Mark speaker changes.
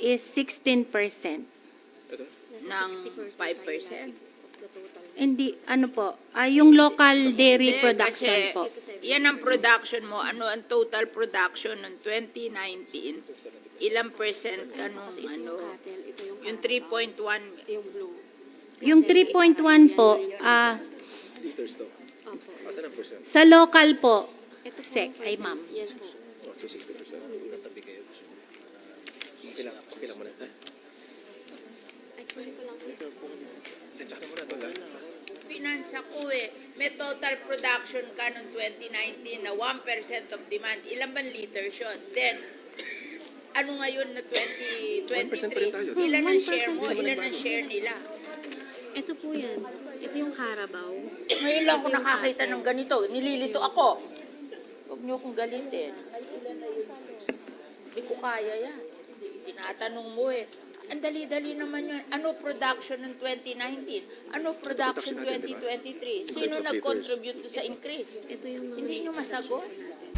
Speaker 1: is 16%.
Speaker 2: ng 5%.
Speaker 1: Hindi, ano po, yung local dairy
Speaker 2: Hindi,
Speaker 1: production
Speaker 2: kasi
Speaker 1: po.
Speaker 2: yan ang production mo. Ano ang total production ng 2019? Ilang percent ka nung ano? Yung 3.1.
Speaker 1: Yung 3.1 po,
Speaker 3: Liters to. Asan ang percent?
Speaker 1: sa local po, sec, ay ma'am.
Speaker 4: Yes po.
Speaker 3: Oh, so 60%. Tatabi kayo. Okay lang mo na.
Speaker 4: Ay, kasi ko lang.
Speaker 3: Sensya ka muna doon.
Speaker 2: Finance ako eh. May total production ka noong 2019 na 1% of demand. Ilan bang liters yun? Then, ano ngayon na
Speaker 3: 1% pa rin tayo.
Speaker 2: 2023? Ilan ang
Speaker 4: 1%
Speaker 2: share mo?
Speaker 3: Hindi naman
Speaker 2: Ilan ang
Speaker 3: nagbago.
Speaker 2: share nila?
Speaker 4: Ito po yan. Ito yung Carabao.
Speaker 2: Ngayon lang ako nakakita ng ganito. Nililito ako. Huwag niyo akong galitin. Hindi ko kaya yan. Tinatanong mo eh. Ang dali-dali naman yun. Ano production ng 2019? Ano production
Speaker 3: Production natin,
Speaker 2: 2023? Sino
Speaker 3: Terms of
Speaker 2: nag-contribute sa increase?
Speaker 4: Ito yung mga...
Speaker 2: Hindi nyo masagot?